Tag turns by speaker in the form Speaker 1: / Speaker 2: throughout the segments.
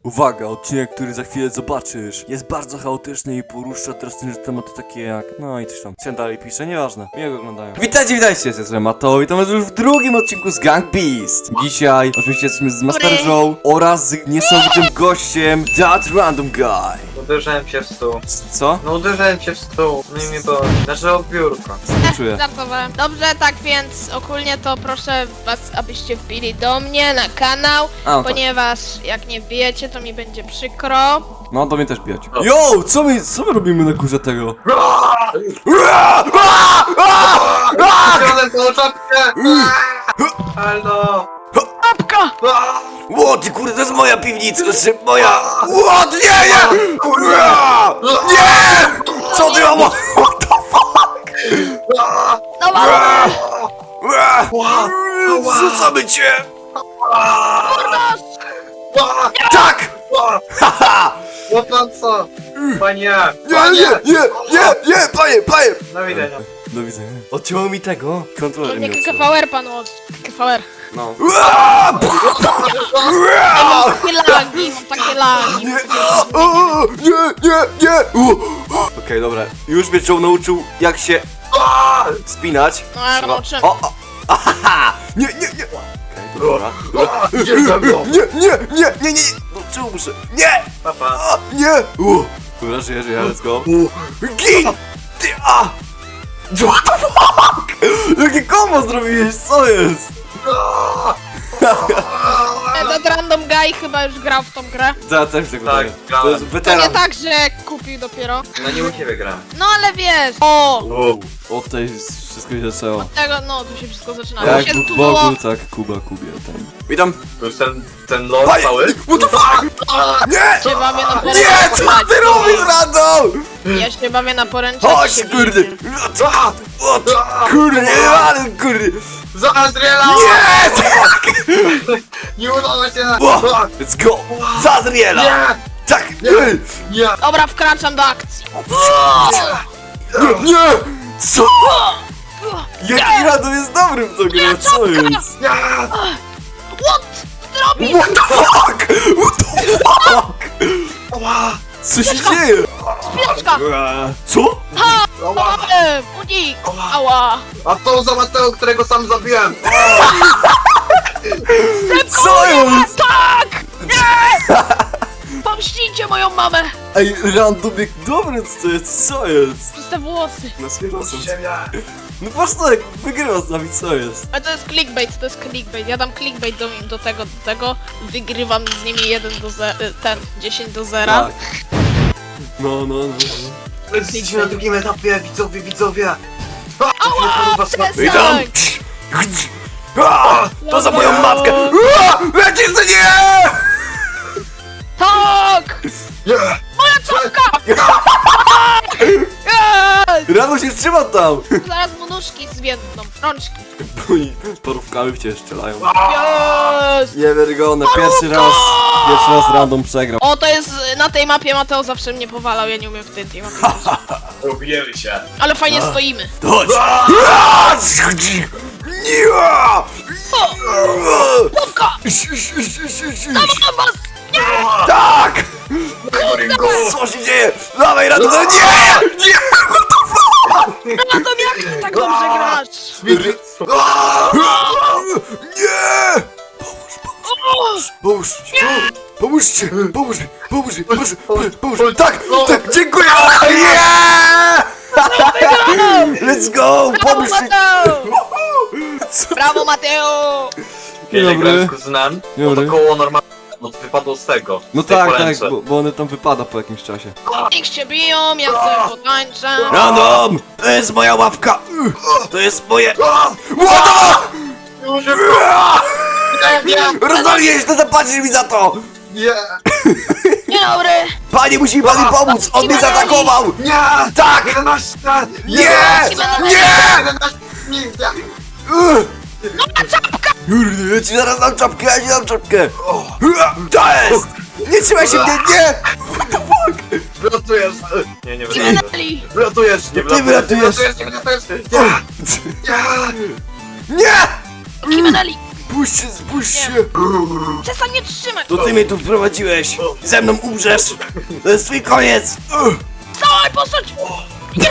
Speaker 1: Uwaga, odcinek, który za chwilę zobaczysz, jest bardzo chaotyczny i porusza drastyczne tematy takie jak... No i coś tam. Co dalej pisze, nieważne. Miłego oglądają. Witajcie, jestem Mateo i to jest już w drugim odcinku z Gang Beast. Dzisiaj oczywiście jesteśmy z Master Joe oraz z niesamowitym gościem That Random Guy.
Speaker 2: Uderzyłem się w stół.
Speaker 1: Co?
Speaker 2: No uderzyłem się w stół. No i mnie to... Znaczy o biurko.
Speaker 1: Czuję.
Speaker 3: Żartowałem. Dobrze, tak więc ogólnie to proszę was, abyście wbili do mnie na kanał,
Speaker 1: A, no tak.
Speaker 3: ponieważ jak nie wbijecie, to mi będzie przykro.
Speaker 1: No, do mnie też bijać. Yo, co my robimy na górze tego?
Speaker 2: Wziąłem tą czapkę! Halo!
Speaker 3: Apka!
Speaker 1: Ło, ty kurde, to jest moja piwnica, to jest moja... Ło, nie! Nie! Co ty mam? What the fuck?
Speaker 3: Dawaj!
Speaker 1: Zrzucamy cię!
Speaker 3: Mordos!
Speaker 1: Tak! Haha!
Speaker 2: No pan co? Panie!
Speaker 1: Nie, panie!
Speaker 2: Do widzenia.
Speaker 1: Do widzenia. Odcięło mi tego. Kontroler mi
Speaker 3: Jakie
Speaker 1: odciął.
Speaker 3: KVR pan od... KVR.
Speaker 1: No.
Speaker 3: Mam takie lagi.
Speaker 1: Nie! Okej, dobra. Już mnie Joe nauczył, jak się spinać.
Speaker 3: No ja
Speaker 1: Trzeba-
Speaker 3: nauczyłem.
Speaker 1: Ahaha! Nie! Okej, dobra.
Speaker 2: Idziesz ze mną!
Speaker 1: Nie! No czemu muszę? Nie!
Speaker 2: Papa.
Speaker 1: Nie! Dobra, żyję, let's go. Gin! Ty, What the fuck? Jakie kombo zrobiłeś, co jest?
Speaker 3: Ten random guy chyba już grał w tą grę.
Speaker 1: Ja też tego
Speaker 2: Tak,
Speaker 1: daję. To
Speaker 2: grałem.
Speaker 1: jest
Speaker 3: To
Speaker 1: weteran.
Speaker 3: nie tak, że kupił dopiero.
Speaker 2: No nie u ciebie gram.
Speaker 3: No ale wiesz. O!
Speaker 1: Od tej wszystko się zaczęło.
Speaker 3: Tego, no tu się wszystko zaczyna.
Speaker 1: Jak
Speaker 3: Się
Speaker 1: Bóg
Speaker 3: tu było...
Speaker 1: Bogu, tak Kuba Kubie. Witam.
Speaker 2: To jest ten lord
Speaker 1: Panie!
Speaker 2: cały?
Speaker 1: What the fuck? Nie!
Speaker 3: się bawię na poręczy.
Speaker 1: Nie! Co ty robisz, Rado?
Speaker 3: Ja się bawię na poręczy.
Speaker 1: Chodź, kurde! Kurde, ale kurde!
Speaker 2: Za Azriela!
Speaker 1: Nie!
Speaker 2: Nie udało się!
Speaker 1: Let's go! Zadriela!
Speaker 2: Nie!
Speaker 1: Tak!
Speaker 2: Nie!
Speaker 3: Dobra, wkraczam do akcji.
Speaker 1: Nie! Co? Jaki Rado jest dobry w to grę, co jest?
Speaker 2: Nie!
Speaker 3: What? Zrobisz?
Speaker 1: What the fuck? What the fuck?
Speaker 2: Ała!
Speaker 1: Co się dzieje?
Speaker 3: Spieczka!
Speaker 1: Co?
Speaker 2: Ała!
Speaker 3: Unik! Ała!
Speaker 2: A to za Mateo, którego sam zabiłem!
Speaker 1: Co jest?
Speaker 3: Tak! Nie! Pomścicie moją mamę!
Speaker 1: Ej, Random jak dobry to jest, co jest?
Speaker 3: Przez te włosy.
Speaker 1: Na swierosem.
Speaker 2: Ziemia!
Speaker 1: No patrz tak, wygrywa z nami, co jest?
Speaker 3: Ale to jest clickbait, to jest clickbait. Ja dam clickbait do tego. Wygrywam z nimi 10 do 0.
Speaker 1: Tak. No.
Speaker 2: Jesteście na drugim etapie, widzowie!
Speaker 3: Ała!
Speaker 1: Witam!
Speaker 3: Przestań!
Speaker 1: To za moją matkę! Lecisz za nie!
Speaker 3: Tak!
Speaker 2: Nie!
Speaker 3: Moja czapka!
Speaker 1: Rano się trzyma tam!
Speaker 3: Zaraz mu nóżki zwiędną. Rączki.
Speaker 1: I parówkami w ciebie strzelają.
Speaker 3: Jest!
Speaker 1: Niewiarygodne, pierwszy raz Random przegrał.
Speaker 3: O, to jest na tej mapie Mateo zawsze mnie powalał, ja nie umiem w tej mapie.
Speaker 2: Robijemy się!
Speaker 3: Ale fajnie stoimy.
Speaker 1: Chodź! Nie!
Speaker 3: Popka!
Speaker 1: Tak! Co się dzieje? Dawaj, Random! Nie!
Speaker 3: No to jak ty tak dobrze grasz?
Speaker 1: Nie! Pomóżcie! Pomóż! Tak! Dziękuję! Nie! Let's go!
Speaker 3: Brawo,
Speaker 1: Pomóż mi!
Speaker 3: Mateo!
Speaker 1: Co?
Speaker 3: Brawo, Mateo!
Speaker 2: Kiedy
Speaker 1: Dobry.
Speaker 2: grałem z kuzynem, no
Speaker 1: Dobry.
Speaker 2: to koło normalnie wypadło z tego.
Speaker 1: No
Speaker 2: z tej
Speaker 1: tak,
Speaker 2: poręczy.
Speaker 1: bo one tam wypada po jakimś czasie.
Speaker 3: Niech się biją, ja sobie potańczę.
Speaker 1: Random! To jest moja łapka! To jest moje... Rozwaliłeś to, zapłacisz mi za to!
Speaker 2: Nie!
Speaker 3: Dzień dobry!
Speaker 1: Panie, musi mi pan pomóc! On mnie zaatakował!
Speaker 2: Nie!
Speaker 1: Tak!
Speaker 2: 11!
Speaker 1: Nie! Nie!
Speaker 2: 11! Nie!
Speaker 1: Kurde, ja ci zaraz dam czapkę, To jest! Nie trzymaj się mnie, nie! What the fuck?
Speaker 2: Wylatujesz! Nie, nie wylatujesz.
Speaker 3: Kimeneli!
Speaker 2: Wylatujesz, nie
Speaker 1: Ty wylatujesz.
Speaker 2: Nie wylatujesz! Nie!
Speaker 1: Nie!
Speaker 3: Kimeneli!
Speaker 1: Spójrz się!
Speaker 3: Przestań mnie trzymać!
Speaker 1: To ty mnie tu wprowadziłeś! Ze mną umrzesz! To jest twój koniec!
Speaker 3: Całej postać!
Speaker 2: Nie!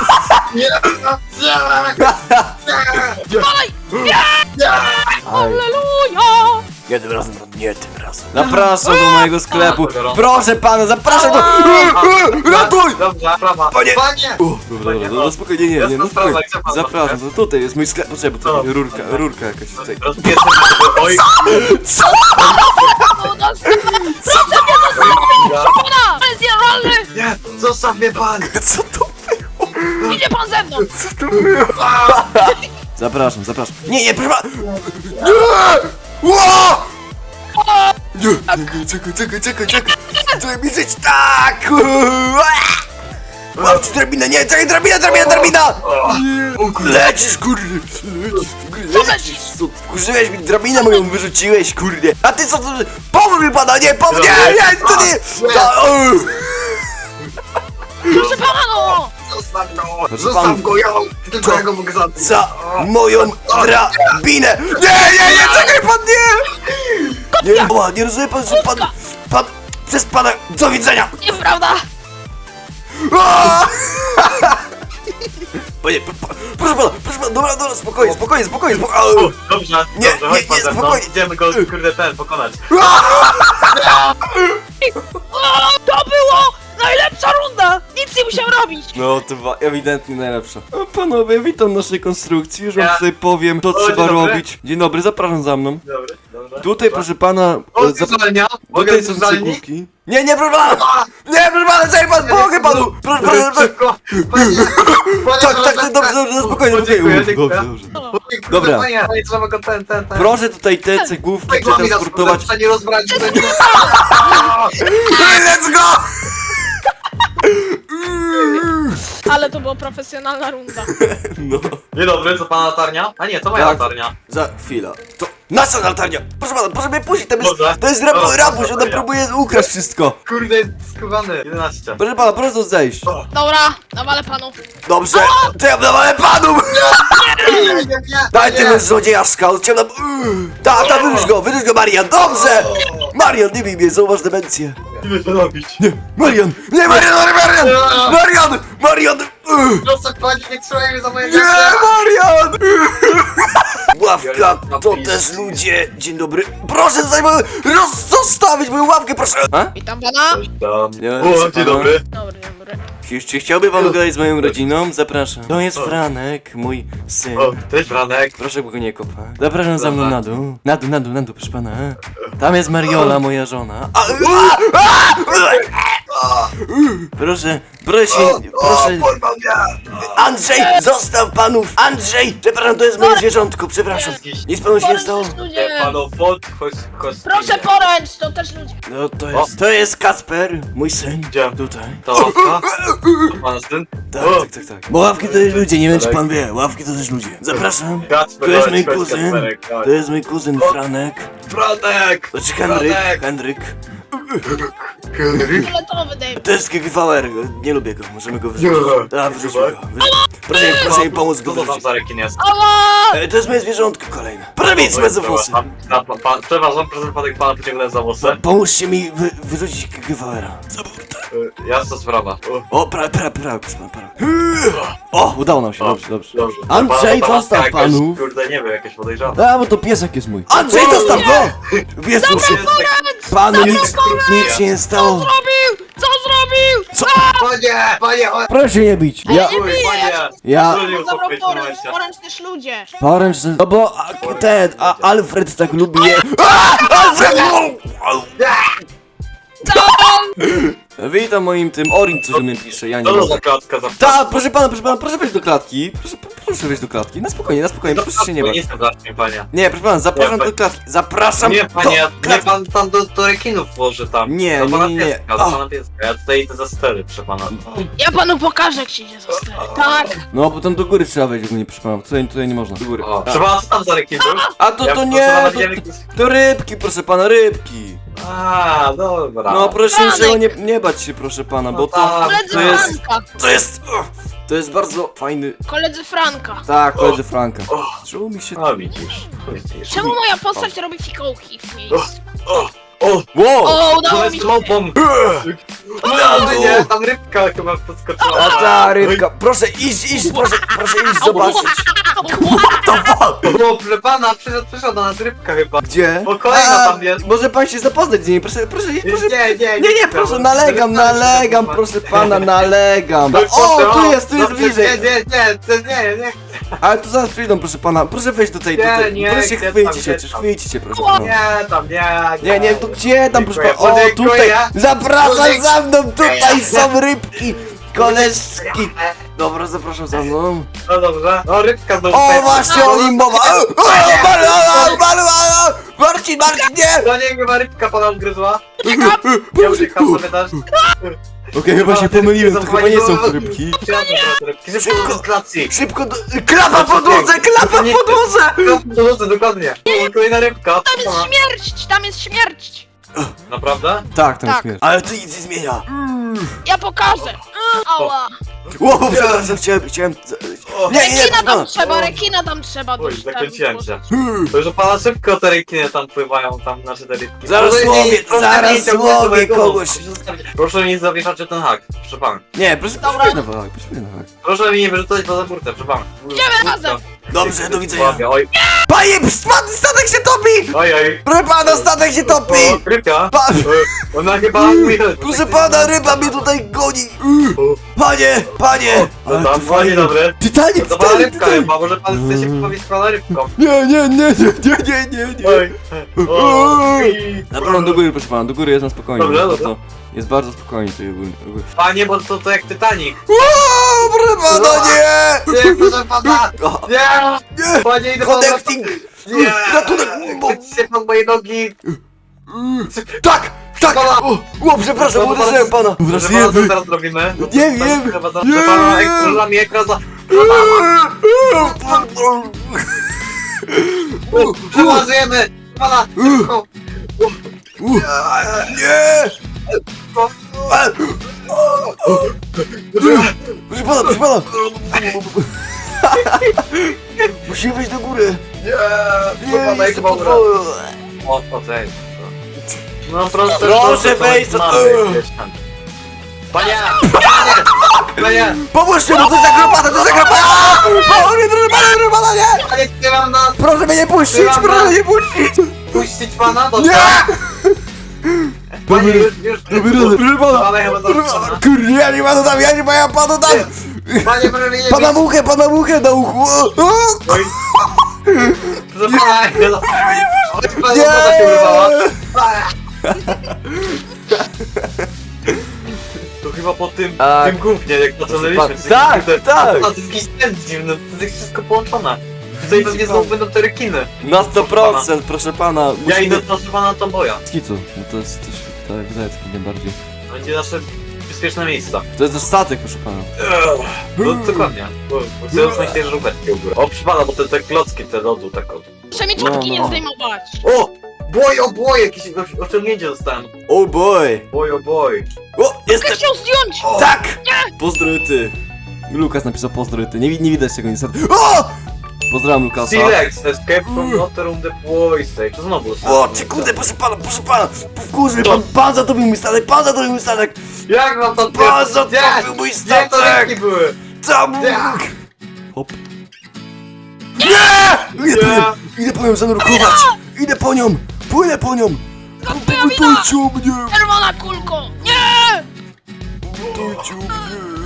Speaker 3: Dalej! Halleluja!
Speaker 1: Nie tym razem, nie tym razem. Zapraszam do mojego sklepu. Proszę pana, zapraszam do... Ratuj!
Speaker 2: Dobrze, prawa.
Speaker 1: Panie!
Speaker 2: Panie!
Speaker 1: Dobra, no spokojnie, nie,
Speaker 2: Jasna
Speaker 1: no
Speaker 2: sprawa,
Speaker 1: spokojnie.
Speaker 2: gdzie pan
Speaker 1: Zapraszam, to tutaj jest mój sklep. Poczekaj, bo to rurka jakaś tutaj.
Speaker 2: Rozpieszczę. Oj!
Speaker 1: Co?
Speaker 3: No, proszę mnie zostawić! Pana! To jest nienormalny!
Speaker 2: Nie! Zostaw mnie pan!
Speaker 1: Co to?
Speaker 3: Idzie pan ze mną!
Speaker 1: Co to było? Zapraszam. Nie, proszę pana! Nie! Ło! Nie, czekaj. Chcę mi żyć tak! Mam ci drabinę, nie, czekaj, drabina! Lecisz, kurde! Lecisz! Wkurzyłeś mi, drabinę moją wyrzuciłeś, kurde! A ty co to? Pomóż mi pana, nie, to nie!
Speaker 3: Proszę pana no!
Speaker 2: Zostaw go!
Speaker 1: pan-
Speaker 2: Zostaw go, tylko ja go mogę zabić.
Speaker 1: Za moją drabinę! Nie, czekaj pan, nie! Nie rozumie pan, że pan przez pana, do widzenia!
Speaker 3: Nieprawda!
Speaker 1: Aaa! Panie, proszę pana, dobra, spokojnie.
Speaker 2: O, dobrze,
Speaker 1: Nie,
Speaker 2: dobrze, chodź pan ze mną.
Speaker 1: spokojnie.
Speaker 2: Idziemy go, kurde, pokonać.
Speaker 3: O, to było najlepsza runda! Nic nie musiał robić!
Speaker 1: No to była ewidentnie najlepsza. O, panowie, witam w naszej konstrukcji, już wam
Speaker 2: Ja.
Speaker 1: tutaj powiem, co
Speaker 2: O,
Speaker 1: trzeba
Speaker 2: dzień dobry.
Speaker 1: robić. Dzień dobry, zapraszam za mną.
Speaker 2: Dobra.
Speaker 1: Tutaj, proszę pana,
Speaker 2: O, zezwolenia? Mogę
Speaker 1: tutaj są
Speaker 2: zezwolenie?
Speaker 1: cegłówki. Nie, proszę pana! Nie, proszę pana, czekaj pan, pomogę panu! Proszę pana,
Speaker 2: Szybko! Panie!
Speaker 1: tak, dobrze, spokojnie,
Speaker 2: Dziękuję.
Speaker 1: dobrze. Dobra.
Speaker 2: Panie, trzeba go ten.
Speaker 1: Proszę tutaj te cegłówki przetransportować.
Speaker 2: Nie rozbrać,
Speaker 1: Let's go!
Speaker 3: Ale to była profesjonalna runda.
Speaker 1: No.
Speaker 2: Dzień dobry, co pana latarnia? A nie, to moja
Speaker 1: Tak.
Speaker 2: latarnia.
Speaker 1: Za chwilę. To nasza latarnia! Proszę pana, proszę mnie puścić,
Speaker 2: Dobrze.
Speaker 1: to jest
Speaker 2: Dobrze,
Speaker 1: rabuś, ona
Speaker 2: dobra.
Speaker 1: próbuje ukraść wszystko.
Speaker 2: Kurde, skubany. 11.
Speaker 1: Proszę pana, proszę to zejść.
Speaker 3: Dobra, nawalę panu.
Speaker 1: Dobrze, to ja dawałem panu!
Speaker 2: Nie.
Speaker 1: Daj tego złodziejaszka, on chciał nam... Ta, wyrzuć go, Marian, dobrze! Marian, nie bij mnie, zauważ demencję.
Speaker 2: Ile to robić?
Speaker 1: Nie, Marian!
Speaker 2: Proszę, panie, nie trzymaj mnie za moje
Speaker 1: Nie, Marian! Ławka,
Speaker 2: Ja
Speaker 1: to
Speaker 2: napisz.
Speaker 1: też ludzie. Dzień dobry. Proszę zostawić moją ławkę, proszę. A?
Speaker 3: Witam pana.
Speaker 1: Nie,
Speaker 2: O, dzień dobry.
Speaker 3: Dobry.
Speaker 1: Czy chciałby pan gadać z moją rodziną? Zapraszam. To jest Franek, mój syn.
Speaker 2: O, cześć Franek.
Speaker 1: Proszę go nie kopa. Zapraszam za mną na dół. Na dół, proszę pana. Tam jest Mariola, moja żona. Proszę.
Speaker 2: Porwał mnie.
Speaker 1: Andrzej, zostaw panów! Andrzej! Przepraszam, to jest moje zwierzątko, przepraszam. Nic panu się nie stało?
Speaker 3: Poręcz też
Speaker 2: Nie,
Speaker 3: ludzie.
Speaker 2: panu chodź.
Speaker 3: Proszę poręcz, to też ludzie.
Speaker 1: No to jest Kasper, mój syn.
Speaker 2: Gdzie?
Speaker 1: Tutaj.
Speaker 2: Ta ławka? To pan syn?
Speaker 1: Tak. Bo ławki to też ludzie, nie wiem czy pan wie. Ławki to też ludzie. Zapraszam.
Speaker 2: Kacper,
Speaker 1: To jest
Speaker 2: chodź,
Speaker 1: mój
Speaker 2: chodź,
Speaker 1: kuzyn.
Speaker 2: Kacperek, chodź.
Speaker 1: To jest mój kuzyn Franek.
Speaker 2: Franek!
Speaker 1: To czy
Speaker 2: Franek!
Speaker 1: Henryk.
Speaker 3: Fioletowy David.
Speaker 1: To jest GVR, nie lubię go, możemy go wyrzucić.
Speaker 2: Nie.
Speaker 1: Wyrzućmy go. Proszę mi pomóc go
Speaker 2: Co to tam
Speaker 1: wyrzucić.
Speaker 2: za rekin jest?
Speaker 3: Ała!
Speaker 1: To jest moje zwierzątko kolejne. Proszę mieć bez włosy.
Speaker 2: Przepraszam, proszę panek pana pociągnąć za włosy.
Speaker 1: Pomóżcie mi wyrzucić GVR-a.
Speaker 2: Jasna sprawa.
Speaker 1: O, prawie. O, udało nam się, dobrze.
Speaker 2: Dobrze.
Speaker 1: Andrzej,
Speaker 2: Pana
Speaker 1: zostaw
Speaker 2: jakaś,
Speaker 1: panów.
Speaker 2: Kurde, nie wiem, jakieś podejrzane.
Speaker 1: A, bo to piesek jest mój. Andrzej, zostaw go! Jezus, panu nic się nie stało.
Speaker 3: Co zrobił?
Speaker 1: Co?
Speaker 2: Panie,
Speaker 1: Proszę nie bić. Ja,
Speaker 2: Uj, panie!
Speaker 1: Ja-
Speaker 2: Trudniej
Speaker 3: Zabrał
Speaker 2: uspokoić w
Speaker 3: poręcz,
Speaker 2: momencie.
Speaker 3: poręcz też ludzie.
Speaker 1: poręcz, no bo Alfred tak lubi je. Alfred! Witam moim tym, Orin coś do mnie pisze, ja nie
Speaker 2: Co to
Speaker 1: mogę.
Speaker 2: za klatka za
Speaker 1: Tak, proszę pana, proszę wejść do klatki. Proszę wejść do klatki. Na spokojnie, proszę się nie
Speaker 2: Nie
Speaker 1: bać.
Speaker 2: jestem zacznie, panie.
Speaker 1: Nie, proszę pana, zapraszam
Speaker 2: Nie,
Speaker 1: do klatki. Zapraszam
Speaker 2: Nie,
Speaker 1: do
Speaker 2: panie, nie
Speaker 1: klatki.
Speaker 2: pan tam do rekinów włoży tam.
Speaker 1: Nie,
Speaker 2: Do pana
Speaker 1: nie.
Speaker 2: pieska, do pana pieska. Ja tutaj idę za stery, proszę pana.
Speaker 3: Ja panu pokażę, jak się idzie za stary. Tak.
Speaker 1: No, bo tam do góry trzeba wejść, ogólnie, proszę pana. Tutaj nie można. Do góry.
Speaker 2: O, proszę pana, co tam za rekin był?
Speaker 1: A to
Speaker 2: Ja,
Speaker 1: nie,
Speaker 2: proszę pana,
Speaker 1: to,
Speaker 2: widziałem
Speaker 1: to rybki, proszę pana, rybki.
Speaker 2: A, dobra.
Speaker 1: No proszę
Speaker 3: Franek.
Speaker 1: niczego nie bać się, proszę pana, bo
Speaker 2: No
Speaker 1: to...
Speaker 2: tak.
Speaker 3: Koledzy
Speaker 1: To jest...
Speaker 3: Franka.
Speaker 1: To jest bardzo fajny...
Speaker 3: Koledzy Franka.
Speaker 1: Tak, koledzy Franka.
Speaker 2: O.
Speaker 1: Czemu mi się...
Speaker 2: No widzisz.
Speaker 3: Czemu moja postać robi fikołki w miejscu?
Speaker 2: O,
Speaker 1: Wow!
Speaker 3: O, udało mi
Speaker 2: z
Speaker 3: się.
Speaker 2: mopą. No, nie, tam rybka chyba podskoczyła.
Speaker 1: A ta rybka... Proszę iść, proszę iść zobaczyć.
Speaker 2: O, proszę pana, przyszła do nas rybka chyba.
Speaker 1: Gdzie?
Speaker 2: O, kolejna tam jest.
Speaker 1: Może pan się zapoznać z niej, proszę... Nie, proszę, nalegam, proszę pana, nalegam. O, tu jest bliżej.
Speaker 2: Nie.
Speaker 1: Ale tu zaraz przyjdą, proszę pana. Proszę wejść do tej,
Speaker 2: Nie,
Speaker 1: proszę się
Speaker 2: gdzie
Speaker 1: chwycić się,
Speaker 2: tam?
Speaker 1: proszę pana.
Speaker 2: Nie, tam nie.
Speaker 1: Nie, tu gdzie tam, proszę pana? O,
Speaker 2: Dziękuję.
Speaker 1: tutaj, zapraszam
Speaker 2: Dziękuję.
Speaker 1: za mną, tutaj są rybki, koleżki. Dobra, zapraszam za mną.
Speaker 2: No dobrze. No, rybka znowu.
Speaker 1: O,
Speaker 2: pędzi.
Speaker 1: właśnie o nim mowa. Marcin, nie!
Speaker 2: To nie chyba rybka pana ugryzła.
Speaker 3: Uciekam.
Speaker 2: Ja uciekam sobie też.
Speaker 1: Okej, chyba się pomyliłem, to chyba nie są rybki.
Speaker 2: Szybko do klacji.
Speaker 1: Szybko do... Klapa w podłodze, klapa w podłodze!
Speaker 2: Dokładnie. O, kolejna rybka.
Speaker 3: Tam jest śmierć, tam jest śmierć.
Speaker 2: Naprawdę?
Speaker 1: Tak, tam
Speaker 3: Tak.
Speaker 1: jest śmierć. Ale to nic nie zmienia.
Speaker 3: Ja pokażę. Ała.
Speaker 1: Ło, przepraszam, chciałem...
Speaker 2: O,
Speaker 1: Nie,
Speaker 3: Rekina tam
Speaker 1: pana.
Speaker 3: trzeba, rekina tam trzeba.
Speaker 2: Oj,
Speaker 3: tam
Speaker 2: zakręciłem się.
Speaker 1: Hmm.
Speaker 2: To już pana szybko te rykiny tam pływają, tam nasze te rybki.
Speaker 1: Zaraz
Speaker 2: Proszę
Speaker 1: łowię,
Speaker 2: nie- proszę
Speaker 1: zaraz
Speaker 2: nie ciągnąć
Speaker 1: łowię
Speaker 2: mojego
Speaker 1: kogoś.
Speaker 2: nosa. Proszę mi nie zawieszać ten hak, proszę pan.
Speaker 1: Nie, proszę na wag,
Speaker 2: Proszę mi nie wyrzucać poza burtę, proszę pan.
Speaker 3: Idziemy razem.
Speaker 1: Dobrze, do widzenia.
Speaker 2: Łapię, oj,
Speaker 1: Panie, statek się topi!
Speaker 2: oj.
Speaker 1: Proszę pana, statek się topi!
Speaker 2: O, rybka. Ona chyba mówi.
Speaker 1: Proszę pana, ryba mnie tutaj goni! Panie!
Speaker 2: No
Speaker 1: Ale
Speaker 2: tam,
Speaker 1: to
Speaker 2: panie
Speaker 1: fajnie.
Speaker 2: dobry.
Speaker 1: Titanic,
Speaker 2: To pana rybka
Speaker 1: Titanic!
Speaker 2: chyba, może pan chce się pobawić z pana rybką.
Speaker 1: Nie.
Speaker 2: Oj. O,
Speaker 1: Dobra, do góry, proszę pana, do góry jest na spokojnie.
Speaker 2: Dobrze,
Speaker 1: To
Speaker 2: dobrze.
Speaker 1: jest bardzo spokojnie tutaj ogólnie.
Speaker 2: Panie, bo to jak Titanic.
Speaker 1: O, proszę pana, nie!
Speaker 2: Nie, proszę pana.
Speaker 1: O,
Speaker 2: Nie.
Speaker 1: nie!
Speaker 2: Panie, idę
Speaker 1: Connecting!
Speaker 2: Nie.
Speaker 1: Ratunek!
Speaker 2: Chwyćcie pan moje nogi.
Speaker 1: Tak! O, przepraszam, uderzyłem pana!
Speaker 2: Proszę pana, co teraz robimy?
Speaker 1: Nie wiem.
Speaker 2: Proszę pana,
Speaker 1: Nie.
Speaker 2: ekranami ekran za... Przeważujemy! Pana! Szybko!
Speaker 1: Nie! Proszę pana! Musimy wejść do góry!
Speaker 2: Nie! Pana, jak
Speaker 1: jestem
Speaker 2: chyba
Speaker 1: pod
Speaker 2: umrę.
Speaker 1: wodą.
Speaker 2: O, cześć. No proszę,
Speaker 1: Proszę wejść, co-
Speaker 2: Panie! Panie!
Speaker 1: Pomóżcie, bo to jest zakropata, to jest zakropata! O, nie, proszę pana, nie!
Speaker 2: Panie, trzymam nas!
Speaker 1: Proszę mnie nie puścić, proszę mnie nie puścić!
Speaker 2: Puścić pana? Dobrze!
Speaker 1: Nie!
Speaker 2: Panie, już...
Speaker 1: Proszę pana!
Speaker 2: Pana chyba dobrze.
Speaker 1: Kurde, ja nie panu dam, ja panu dam!
Speaker 2: Panie, proszę mnie nie
Speaker 1: Pana
Speaker 2: bić.
Speaker 1: muchę na uchu! O!
Speaker 2: Oj. Proszę pana, no. Oj, pana
Speaker 1: Nie!
Speaker 2: woda się urwała. To chyba po tym,
Speaker 1: Tak.
Speaker 2: tym gównie, jak zaczynaliśmy.
Speaker 1: Tak, tak.
Speaker 2: To jest jakiś ten dziwny, to jest wszystko połączone. Tutaj pewnie znowu będą te rekiny.
Speaker 1: Na 100%, proszę pana!
Speaker 2: Ja idę proszę pana na Tomboja.
Speaker 1: Skicu, no to jest też, tak, wydaje się nie bardziej.
Speaker 2: To będzie nasze bezpieczne miejsce.
Speaker 1: To jest nasz statek, proszę pana.
Speaker 2: No dokładnie. Bo chcę już myśleć, że żółbeczki u góry. O, proszę pana, bo te klocki, te lodu, tak od...
Speaker 3: Proszę mi czapki
Speaker 1: No.
Speaker 3: nie zdejmować.
Speaker 2: O! Boj, jakieś osiągnięcie dostałem.
Speaker 1: Oh boy!
Speaker 2: Boj.
Speaker 1: O,
Speaker 3: Mogę
Speaker 1: jestem!
Speaker 3: się zdjąć!
Speaker 1: Tak! Pozdrowy. Lukas napisał pozdrowy. Nie widać tego niestety. O! Pozdrawiam Lukasa.
Speaker 2: Silex, escape from Nottingham the Boys. To znowu.
Speaker 1: O, czy kurde, proszę pana! Wkurzy, pan zatopił mój statek,
Speaker 2: Jak mam to
Speaker 1: Pan zatopił mój
Speaker 2: Gdzie to
Speaker 1: statek!
Speaker 2: rybki były?
Speaker 1: Tam!
Speaker 2: Nie!
Speaker 1: Hop. Nie! Idę po nią zanurkować! Idę po nią! Płynę po nią!
Speaker 3: Twoja wina!
Speaker 1: Dajcie o mnie!
Speaker 3: Czerwona kulko! Nie!
Speaker 1: Dajcie o mnie!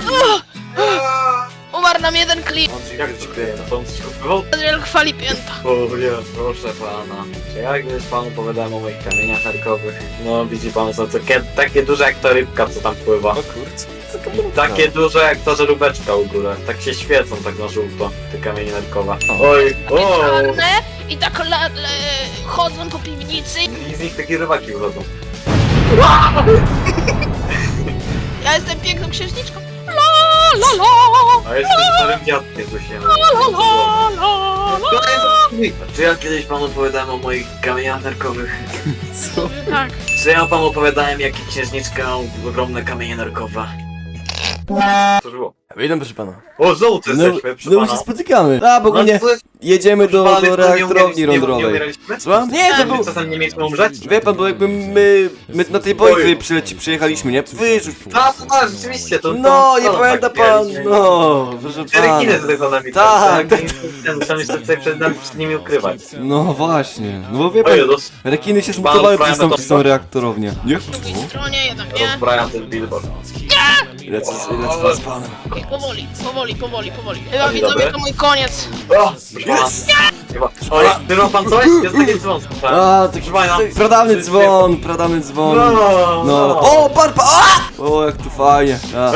Speaker 3: Umarł nam jeden klip.
Speaker 2: Jak ci kryje? To on coś kupywał?
Speaker 3: Adriel chwali pięta.
Speaker 2: O nie, proszę pana. Czy ja kiedyś panu opowiadałem o moich kamieniach harkowych? No widzi pan, są takie duże jak ta rybka, co tam pływa.
Speaker 1: O kurczę,
Speaker 2: I takie duże jak ta żaróweczka u góry. Tak się świecą tak na żółto, te kamienie narkowe.
Speaker 1: O.
Speaker 2: Oj, o!
Speaker 3: Czarne i tak chodzą po piwnicy.
Speaker 2: I z nich takie rybaki wychodzą.
Speaker 3: Ja jestem piękną księżniczką. La! la la.
Speaker 2: A jestem starym dziadkiem, co się
Speaker 3: La la la la.
Speaker 2: Czy ja kiedyś panu opowiadałem o moich kamieniach nerkowych?
Speaker 1: Co?
Speaker 3: Tak.
Speaker 2: Czy ja panu opowiadałem, jakie księżniczka miał ogromne kamienie nerkowe? Co było?
Speaker 1: Witam, proszę pana.
Speaker 2: O, złoty
Speaker 1: No,
Speaker 2: jesteśmy, proszę
Speaker 1: no my się
Speaker 2: pana.
Speaker 1: spotykamy. A, bo ogólnie
Speaker 2: to jest...
Speaker 1: jedziemy do
Speaker 2: Pana,
Speaker 1: reaktorowni
Speaker 2: nie
Speaker 1: lądowej.
Speaker 2: umieraliśmy?
Speaker 1: Słucham? Nie, to
Speaker 2: Czy
Speaker 1: był...
Speaker 2: czasem nie mieliśmy umrzeć?
Speaker 1: Wie pan, bo jakby my na tej bojce przyjechaliśmy, nie? Wyrzuć.
Speaker 2: Tak, rzeczywiście, to...
Speaker 1: No,
Speaker 2: to
Speaker 1: nie
Speaker 2: tak
Speaker 1: pamięta pan,
Speaker 2: mieliśmy.
Speaker 1: no, proszę
Speaker 2: Cztery
Speaker 1: pana.
Speaker 2: kiny tutaj za nami.
Speaker 1: Tak, tak.
Speaker 2: Muszę się tutaj przed nimi ukrywać.
Speaker 1: No właśnie, no bo wie pan,
Speaker 2: Ojej,
Speaker 1: rekiny się
Speaker 2: Pan
Speaker 1: zmutowały
Speaker 2: Brian
Speaker 1: przez tą
Speaker 2: to-
Speaker 1: reaktorownię. Nie?
Speaker 3: Po drugiej stronie, jednak nie.
Speaker 2: Rozbrajam ten billboard.
Speaker 1: Lecę z panem.
Speaker 3: Powoli, powoli, powoli, powoli. Chyba
Speaker 2: Dzień
Speaker 3: widzowie
Speaker 2: dobry.
Speaker 3: to mój koniec.
Speaker 2: O, proszę pana. Chyba. Oj, ma pan coś? Jest taki dzwon.
Speaker 1: A, taki
Speaker 2: Proszę pana.
Speaker 1: pradawny dzwon, pradawny dzwon.
Speaker 2: No,
Speaker 1: No, o, parpa, a! O, jak tu fajnie. A.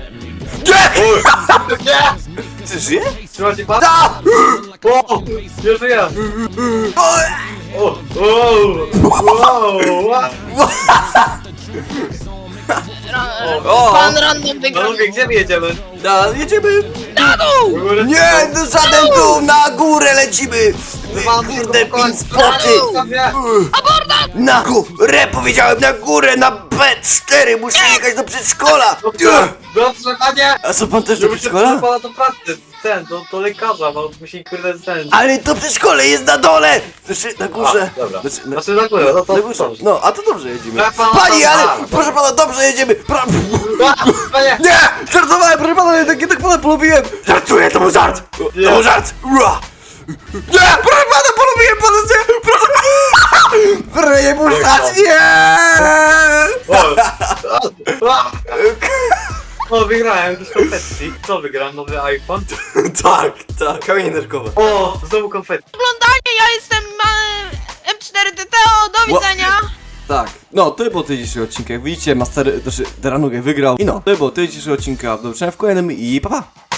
Speaker 2: Nie!
Speaker 1: Ty żyje?
Speaker 2: Trzyma się pan?
Speaker 1: A!
Speaker 2: O! Nie żyję! O! O!
Speaker 1: O!
Speaker 3: Pan random wygrał.
Speaker 2: Panowie, gdzie my jedziemy?
Speaker 1: Jedziemy.
Speaker 3: Na dół!
Speaker 1: Nie, no żaden tu, na górę lecimy. Kurde, pin spoty. Na górę, powiedziałem, na górę, na B4, muszę jechać do przedszkola.
Speaker 2: Dobrze, panie!
Speaker 1: A co, pan też do
Speaker 2: Żeby się
Speaker 1: przedszkola?
Speaker 2: pana do pracy, do lekarza, bo musi kurde ten...
Speaker 1: Ale to przedszkole jest na dole! Znaczy, na górze.
Speaker 2: A, dobra.
Speaker 1: Znaczy,
Speaker 2: Znaczy na górę, no to
Speaker 1: na górze.
Speaker 2: dobrze.
Speaker 1: No, a to dobrze jedziemy.
Speaker 2: Ja pana-
Speaker 1: Pani, ale,
Speaker 2: A,
Speaker 1: proszę pana, dobrze jedziemy.
Speaker 2: Panie!
Speaker 1: Nie! Żartowałem, proszę pana, jednak pana polubiłem. Żartuję, to był żart. To
Speaker 2: Nie.
Speaker 1: był żart. Ua. Nie, proszę pana, polubiłem pana, proszę. Proszę nie puszczać, nie!
Speaker 2: O, wygrałem jakieś konfetti. Co wygrałem? Nowy iPhone?
Speaker 1: Tak, kamienie nerkowe.
Speaker 2: O, znowu konfetti.
Speaker 3: Oglądanie, ja jestem M4TTO, do widzenia!
Speaker 1: Tak, no to było tyle dzisiejszego odcinka. Jak widzicie, Master, znaczy Deranugę wygrał. I no, to było tyle dzisiejszego odcinka. Do zobaczenia w kolejnym i pa pa!